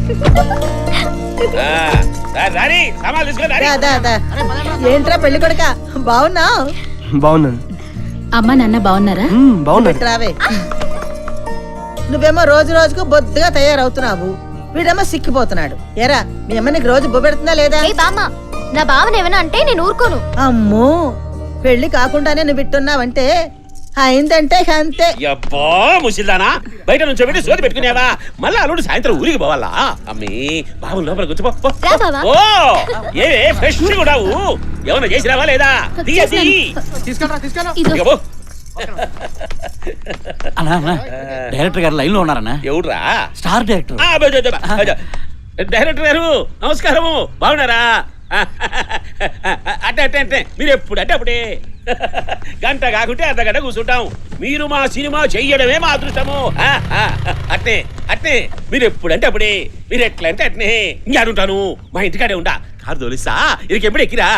ఏంట్రా పెళ్లి కొడుక బాగున్నావు? బాగున్నాను. అమ్మ నాన్న బాగున్నారా? బాగున్నారు. రావే. నువ్వేమో రోజు రోజుకు బొద్దుగా తయారవుతున్నావు, వీడేమో సిక్కిపోతున్నాడు. ఎరా మీ అమ్మ నీకు రోజు బొబ్బెడుతుందా లేదా? నా బావన ఏమైనా అంటే నేను ఊరుకోను. అమ్మో, పెళ్లి కాకుండానే నువ్వు విట్టున్నావంటే అయిందంటే అంతే. అబ్బా ముసిల్దానా, బయట నుంచి పెట్టి సోది పెట్టుకునేవా? మళ్ళా అల్లుడు సాయంత్రం ఊరికి పోవాలా? అమ్మి బాబు లోపల కూర్చోపో. ఓ ఏవే ఫ్రెష్ కూడావు, ఏమన్నా చేసిరావా లేదా? డైరెక్టర్ గారు లైన్ లో ఉన్నారన్నా. ఎవడురా? Star director. డైరెక్టర్ గారు నమస్కారము, బాగున్నారా? అంటే అంటే అంటే మీరు ఎప్పుడు అంటే అప్పుడే గంట కాకుంటే అర్ధ గంట కూర్చుంటాం. మీరు మా సినిమా చెయ్యడమే మా అదృష్టము. అట్నే అట్నే మీరు ఎప్పుడంటే అప్పుడే, మీరు ఎట్లా అంటే అట్నే. ఇంకాడుంటాను, మా ఇంటికాడే ఉండా. కారు తోలిస్తా, ఇది ఎప్పుడు ఎక్కిరా?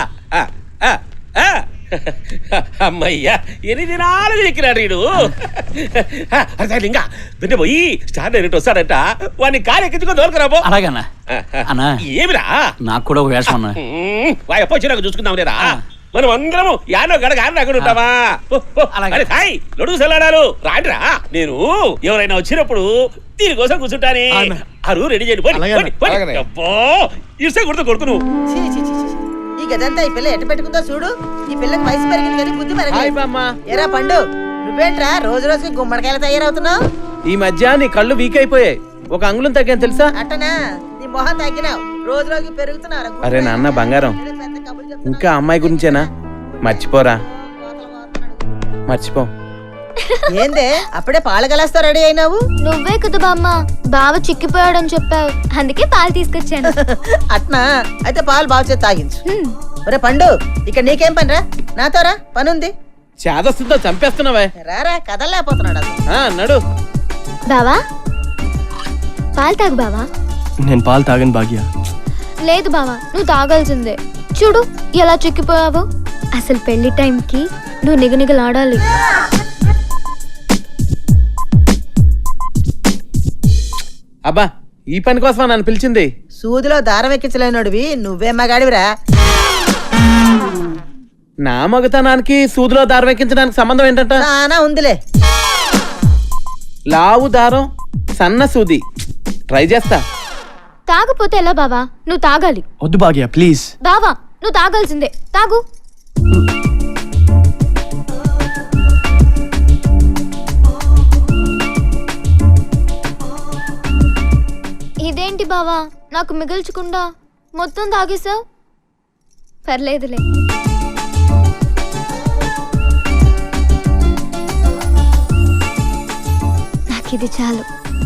అమ్మయ్యా, ఎన్ని దినాలు ఎక్కిరాడు వీడు. అరే ఇంకా బిడ్డ పోయి స్టార్ డైరెక్ట్ వస్తాడంట, వాడిని కారు ఎక్కించుకొని దొరకరాబో. అలాగన్నా. అన్నా ఏమిరా? నాకు కూడా ఒక వేషం అన్నా. వాయప్ప వచ్చినాక చూసుకుందాం లేరా? మనం అందరము యానో గడగ అక్కడ ఉంటామా? అరే హాయ్ లొడుగు సెల్లాడారు రాండిరా. నేను ఎవరైనా వచ్చినప్పుడు దీనికోసం కూర్చుంటానే. అరు రెడీ చేయండి. ఇస్తే కొడుతూ కొడుకు నువ్వు. ఈ గదంతా ఈ పిల్ల ఎట్ట పెట్టుకుందో చూడు. ఈ పిల్లకి వయసు పెరిగింది కానీ బుద్ధి పెరగలేదు. ఎరా పండు, నువ్వేంట్రా రోజు రోజుకి గుమ్మడికాయలు తయారవుతున్నావు? ఈ మధ్య నీ కళ్ళు వీక్ అయిపోయాయి, ఒక అంగుళం తగ్గాను తెలుసా? అట్టనా? నీ మొహం తగ్గినావు, రోజు రోజుకి పెరుగుతున్నావు. అరే నాన్న బంగారం, ఇంకా అమ్మాయి గురించేనా? మర్చిపోరా, మర్చిపో. ఏందే అప్పుడే పాలు గలాస్తా రెడీ అయినావు? నువ్వే కదా బామ్మ బావ చిక్కిపోయాడని చెప్పావు, అందుకే పాలు తీసుకొచ్చాను. అట్నా? అయితే పాలు బాగా చేసి తాగించు. ఒరే పండు, ఇక్కడ నీకేం పని రా? నాతో రా, పనుంది. చేదస్తుందో చంపేస్తున్నావే. రారా, కదలలేకపోతున్నాడు అది. నడు. బావా పాలు తాగు బావా. నేను పాలు తాగను భాగ్య. లేదు బావా, నువ్వు తాగాల్సిందే. చూడు ఎలా చిక్కిపోయావు. అసలు పెళ్లి టైంకి నువ్వు నిగనిగలాడాలి. అబ్బా, ఈ పని కోసమా నన్ను పిలిచింది? సూదిలో దారం ఎక్కించలేనోడివి నువ్వే మగాడివిరా. నా మగతనానికి సూదిలో దారం ఎక్కించడానికి సంబంధం ఏంటంట? నానా ఉందిలే. లావు దారం, సన్న సూది, ట్రై చేస్తా. తాగపోతే ఎలా బావా? నువ్వు తాగాలి. వద్దు భాగ్య ప్లీజ్. బావా నువ్వు తాగాల్సిందే, తాగు. ఇదేంటి బావా, నాకు మిగిల్చకుండా మొత్తం తాగేసావు? పర్లేదులే. నాకు ఇది చాలు.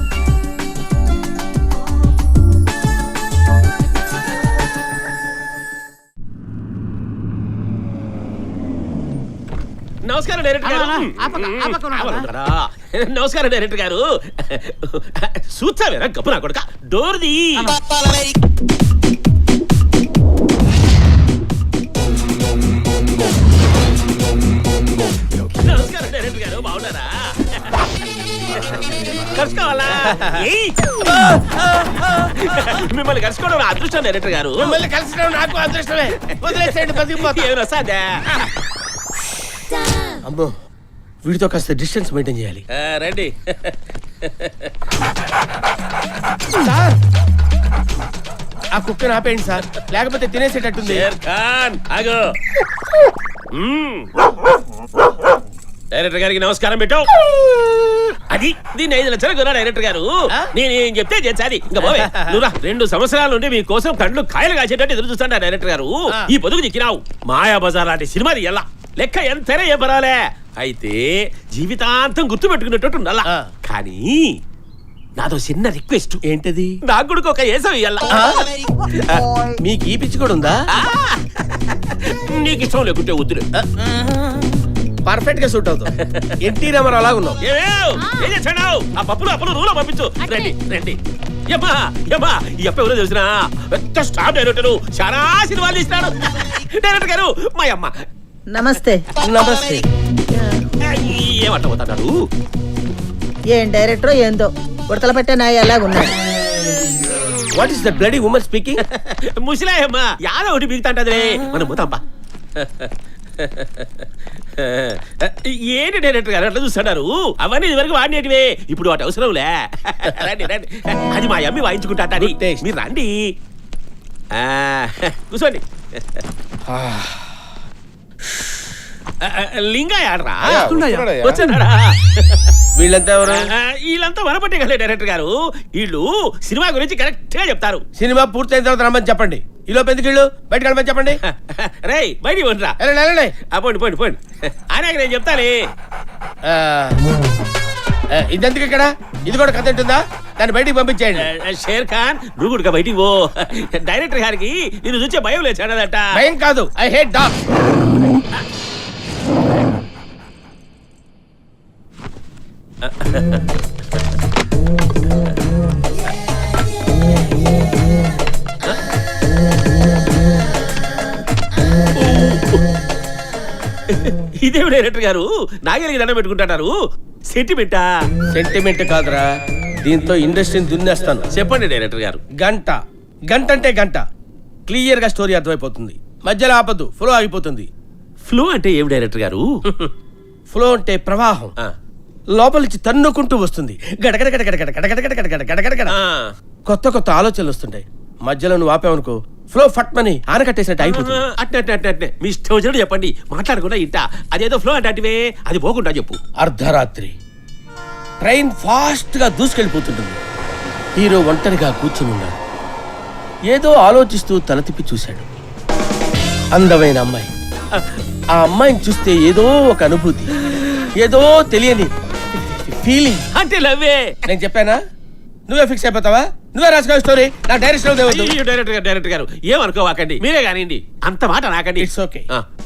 నమస్కారం డైరెక్టర్ గారు. నమస్కారం డైరెక్టర్ గారు. చూచావేరా గప్పు నా కొడుక, డోర్ది. నమస్కారం డైరెక్టర్ గారు, బాగున్నారా? కలుసుకోవాలా? మిమ్మల్ని కలుసుకోవడం నా అదృష్టం డైరెక్టర్ గారు. మిమ్మల్ని కలిసడం నాకు అదృష్టమే. వదిలేసేయండి, బతికిపోతా. ఏమైనా వస్తాదా? అమ్మో, వీడితో కాస్త డిస్టెన్స్ మెయింటైన్ చేయాలి. రండి. సార్, ఆ కుక్కను ఆపేయండి సార్, లేకపోతే తినేసేటట్టుంది. డైరెక్టర్ గారికి నమస్కారం పెట్టావు. అది దీన్ని 5 లక్షలు కొన్నా డైరెక్టర్ గారు. నేనేం చెప్తే చేసాది. ఇంకా పోవే నువ్వురా. 2 సంవత్సరాల నుండి మీకోసం కళ్ళు కాయలు కాసేటట్టు ఎదురు చూస్తాను డైరెక్టర్ గారు. ఈ పొదుగు చిక్కినావు. మాయా బజార్ లాంటి సినిమాది ఎలా లెక్క ఎంతనే ఏ పరాలే. అయితే జీవితాంతం గుర్తు పెట్టుకునేటట్టు ఉండాలా. కానీ నాదో చిన్న రిక్వెస్ట్. ఏంటది? నాకు కూడా ఒక ఏసం ఇయ్యాల. మీకు ఈ పిచ్చి కూడా ఉందా? నీకు ఇష్టం లేకుంటే వద్దులే. పర్ఫెక్ట్ గా సూట్ అవుతావు. ఎన్టీ రామారావు అలాగా ఉన్నావు. ఏం చేశాడు? ఆ పప్పులు అప్పులు రూలో పంపించు. రండి రండి. యమ్మా యమ్మా, ఈ అప్ప ఎవరో తెలిసిన పెద్ద స్టార్ డైరెక్టర్, చాలా సినిమాలు తీసినాడు. డైరెక్టర్ గారు మా అమ్మ. నమస్తే. నమస్తే. ఏమంట పోతాడు? ఏం డైరెక్టర్ ఏందో ఉడతల పెట్టే నాయ అలాగున్నాడు. What is that bloody woman speaking? ముసిలాయమ్మ యాదో ఒకటి బిగుతాంటదిలే మనం పోతాంపా. ఏంటి డైరెక్టర్ గారు అట్లా చూస్తున్నారు? అవన్నీ ఇదివరకు వాడినేటివే, ఇప్పుడు వాటి అవసరంలే. రండి రండి, అది మా అమ్మి వాయించుకుంటా. Good taste. మీరు రండి, కూర్చోండి. లింగాయ ఆడరా వచ్చాడా? వీళ్ళంతా ఎవరు? వీళ్ళంతా వనపట్టే కదా డైరెక్టర్ గారు. వీళ్ళు సినిమా గురించి కరెక్ట్ గా చెప్తారు. సినిమా పూర్తయిన తర్వాత రమ్మని చెప్పండి. ఈలోపు ఎందుకు ఇళ్ళు బయటకు వెళ్ళమని చెప్పండి. రేయ్ బయటికి పోండిరా. వెళ్ళండి. పోండి పోండి పోండి. ఆయన నేను చెప్తాలే. ఇదెందుకు ఇక్కడ? ఇది కూడా కథ ఉంటుందా? దాన్ని బయటికి పంపించేయండి. షేర్ ఖాన్ నువ్వు కూడా బయటికి పో. డైరెక్టర్ గారికి నేను చూసే భయం లేదు చెడదట. భయం కాదు, ఐ హేట్ డాగ్. ఇదేమి డైరెక్టర్ గారు నాగలికి దండం పెట్టుకుంటారు? సెంటిమెంటా? సెంటిమెంట్ కాదురా, దీంతో ఇండస్ట్రీని దున్నేస్తాను. చెప్పండి డైరెక్టర్ గారు. గంట అంటే గంట క్లియర్ గా స్టోరీ అర్థమైపోతుంది. మధ్యలో ఆపద్దు, ఫ్లో ఆగిపోతుంది. ఫ్లో అంటే ఏమి డైరెక్టర్ గారు? ఫ్లో అంటే ప్రవాహం, లోపల నుంచి తన్నుకుంటూ వస్తుంది. గడగడ గడగడ గడగడ గడగడ గడగడ గడగడ గడ. కొత్త కొత్త ఆలోచనలు వస్తుంటాయి. మధ్యలో నువ్వు ఆపావనుకో ఫ్లో ఫట్మని ఆనకట్టేసినట్టు అయిపోతుంది. అట్నే మీ ఇష్టం వచ్చినట్టు చెప్పండి, మాట్లాడకుండా ఇంట. అదేదో ఫ్లో అంటే అది పోకుండా చెప్పు. అర్ధరాత్రి ట్రైన్ ఫాస్ట్ గా దూసుకెళ్ళిపోతుంటుంది. హీరో ఒంటరిగా కూర్చుని ఉన్నాడు. ఏదో ఆలోచిస్తూ తల తిప్పి చూశాడు. అందమైన అమ్మాయి. ఆ అమ్మాయిని చూస్తే ఏదో ఒక అనుభూతి, ఏదో తెలియని ఫీలింగ్. అంటే లవ్వే. నేను చెప్పానా? నువ్వే ఫిక్స్ అయిపోతావా? నువ్వే రాసుకో స్టోరీ. నా డైరెక్షన్ డైరెక్టర్ గారు ఏమనుకోవాకండి, మీరే కానివ్వండి. అంత మాట నాకండి. It's okay.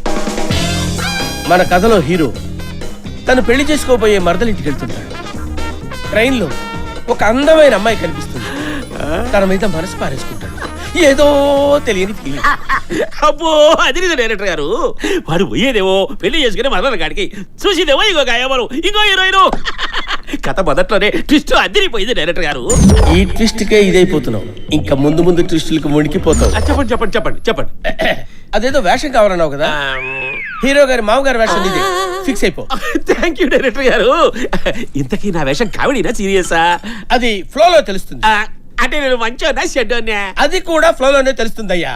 మన కథలో హీరో తను పెళ్లి చేసుకోబోయే మరదలింటికి వెళ్తుంటాడు. ట్రైన్ లో ఒక అందమైన అమ్మాయి కనిపిస్తుంది. తన మీద మనసు పారేసుకుంటాడు. ఏదో తెలియని ఫీలింగ్. అబ్బో అది డైరెక్టర్ గారు. వాడు పోయేదేవో పెళ్లి చేసుకుని మరల కాడికి, చూసిదేవో ఇంకో గాయమరు ఇంకో హీరోయిన్. కథ మొదట్లోనే ట్విస్ట్ అదిరిపోయింది డైరెక్టర్ గారు. ఈ ట్విస్ట్ కే ఇదైపోతున్నావు. ఇంకా ముందు ముందు ట్విస్టులకు మునిగిపోతావు. చెప్పండి చెప్పండి చెప్పండి చెప్పండి. అదేదో వేషం కావాలన్నావు కదా, హీరో గారి మామగారి వేషం ఇది. ఫిక్స్ అయిపో. థ్యాంక్ యూ డైరెక్టర్ గారు. ఇంతకీ నా వేషం కామెడీనా సీరియసా? అది ఫ్లోలో తెలుస్తుంది. అంటే నేను మంచోనా చెడ్డోనా? అది కూడా ఫ్లోలోనే తెలుస్తుందయ్యా.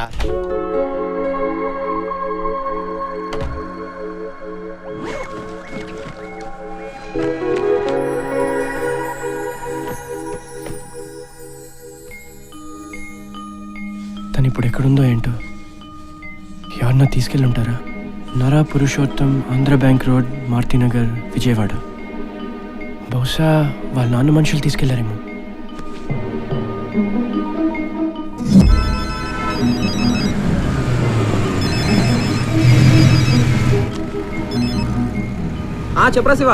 తను ఇప్పుడు ఎక్కడుందో ఏంటో, ఎవరన్నా తీసుకెళ్ళి ఉంటారా? Nara Purushottam, Andhra bank road, Marutinagar, Vijayawada. బహుశా వాళ్ళ నాన్న మనుషులు తీసుకెళ్లారేమో. చెప్పరా శివ.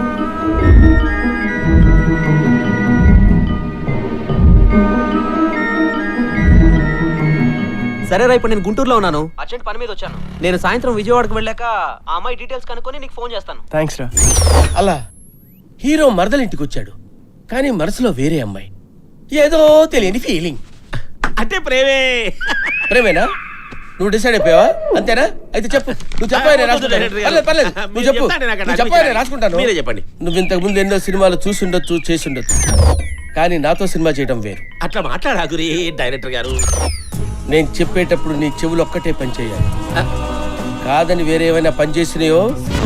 సరేరా, ఇప్పుడు నేను గుంటూరులో ఉన్నాను. అర్జెంట్ పని మీద వచ్చాను. నేను సాయంత్రం విజయవాడకు వెళ్ళాక ఆ అమ్మాయి డీటెయిల్స్ కనుక్కొని నీకు ఫోన్ చేస్తాను. థ్యాంక్స్ రా. అలా హీరో మరదలింటికి వచ్చాడు. కానీ మనసులో వేరే అమ్మాయి, ఏదో తెలియని ఫీలింగ్. అంటే ప్రేమే. ప్రేమేనా? నువ్వు డిసైడ్ అయిపోయావా? అంతేనా? అయితే చెప్పు. నువ్వు చెప్పానే రాసుకుంటాను. నువ్వు చెప్పు. నువ్వు చెప్పానే రాసుకుంటాను. మీరే చెప్పండి. నువ్వు ఇంతకు ముందు ఎన్నో సినిమాలు చూసుండొచ్చు, చేసుండొచ్చు, కానీ నాతో సినిమా చేయడం వేరు. అట్లా మాట్లాడాగురి డైరెక్టర్ గారు. నేను చెప్పేటప్పుడు నీ చెవులు ఒక్కటే పని చేయాలి. కాదని వేరే ఏమైనా పని చేసినాయో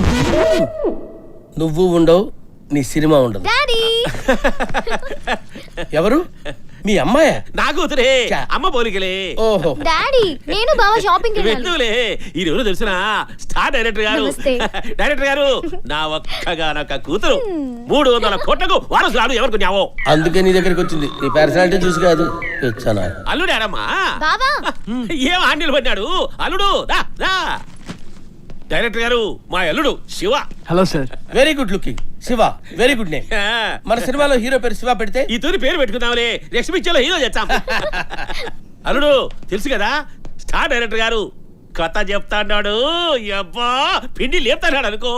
నువ్వు ఉండవు, నీ సినిమా ఉండదు. ఎవరు? మీ అమ్మాయా? నా కూతురే. అమ్మ పోలికలే. ఓహో. డాడీ, నేను బావ షాపింగ్ వెళ్తూలే. ఈ రోజు తెలిసిన స్టార్ డైరెక్టర్ గారు. డైరెక్టర్ గారు, నా ఒక్కగానొక్క కూతురు 300 కోట్లకు వారసురాలు ఎవరికి న్యావో. అందుకే నీ దగ్గరికి వచ్చింది. నీ పర్సనాలిటీ చూసి కాదు. అల్లుడు ఆడమ్మా. బావా ఏం ఆండీలు పడ్డాడు అల్లుడు. డైరెక్టర్ గారు, మా అల్లుడు Shiva. Hello sir. Very good looking. Shiva, very good name. మన సినిమాలో హీరో పేరు శివ పెడితే ఈ తూరి పేరు పెట్టుకుందాంలే. నెక్స్ట్ పిక్చర్ లో హీరో చేస్తాం. అల్లుడు తెలుసు కదా, స్టార్ డైరెక్టర్ గారు. కథ చెప్తాడు. అబ్బా పిండి లేపుతాడు అనుకో.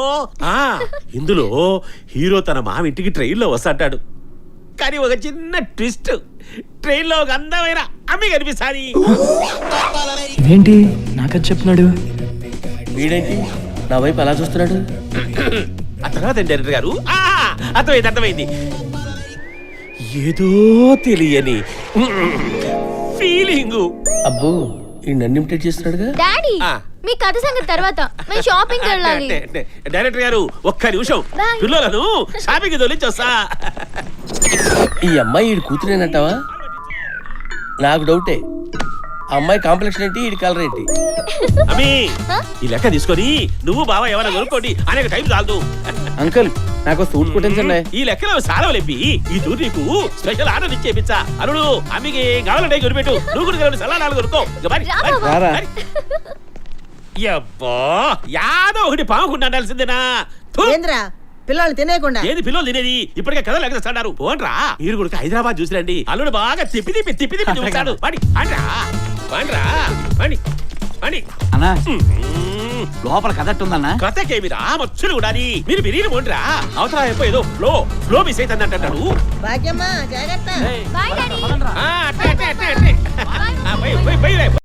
ఇందులో హీరో తన మామ ఇంటికి ట్రైన్ లో వస్తాడు. కానీ ఒక చిన్న ట్విస్ట్. ట్రైన్ లో ఒక అందమైన అమ్మి కనిపిస్తాది. ఇదేంటి నాకది చెప్తున్నాడు? వీడేంటి నా వైపు అలా చూస్తున్నాడు? ఆ తర్వాత ఏంటి డైరెక్టర్ గారు? అర్థమైంది. ఏదో తెలియని ఫీలింగ్. అబ్బో ఈ నన్ను ఇమిటేట్ చేస్తున్నాడుగా. డాడీ ఆ. మీ కథ సంగతి తర్వాత మేము షాపింగ్ వెళ్ళాలి. డైరెక్టర్ గారు ఒక్క నిమిషం, Bye. పిల్లలను షాపింగ్ తోలించి వస్తా. ఈ అమ్మాయి ఈడు కూతురేనంటావా? నాకు డౌటే. ఆ అమ్మాయి కాంప్లెక్షన్ ఏంటి, ఈడి కలర్ ఏంటి? అమ్మి Huh? ఈ లెక్క తీసుకొని నువ్వు బావ ఏమైనా కొనుక్కోండి, అనేక టైం చాలదు. అంకుల్ నాకు సూట్ కుట్టించండి. ఈ లెక్కలో సారవలేపి ఈ టూర్ నీకు స్పెషల్ ఆర్డర్ ఇచ్చేపించా. అరుడు అమ్మికి ఏం కావాలంటే కొనిపెట్టు. నువ్వు కూడా సలాడాలు కొనుక్కో. ఇక మరి, రా మరి, బావ. రారా. మరి. యబ్బా యాదో ఒకటి పాముకుండా ఉండాల్సిందేనా? థు. ఏంద్రా పిల్లల్ని తినేయకుండా ఏది పిల్లలు తినేది? ఇప్పటికే కథలు ఎగరేస్తాడారు. పోన్రా మీరు కూడా హైదరాబాద్ చూసిరండి. అల్లుడు బాగా తిప్పి చూస్తాడు. పడి పండ్రా పండ్రా పండి పండి. అన్నా మ్మ్. లోపల కదట్టు ఉందన్నా. కథకేమిరా మచ్చులు ఉండాలి. మీరు బిర్యానీ పోండ్రా. అవతల అయిపోయి ఏదో ఫ్లో మిస్ అవుతుంది అంటాడు. భాగ్యమ్మ జాగ్రత్త. Bye daddy. అట్టే. పోయి రే.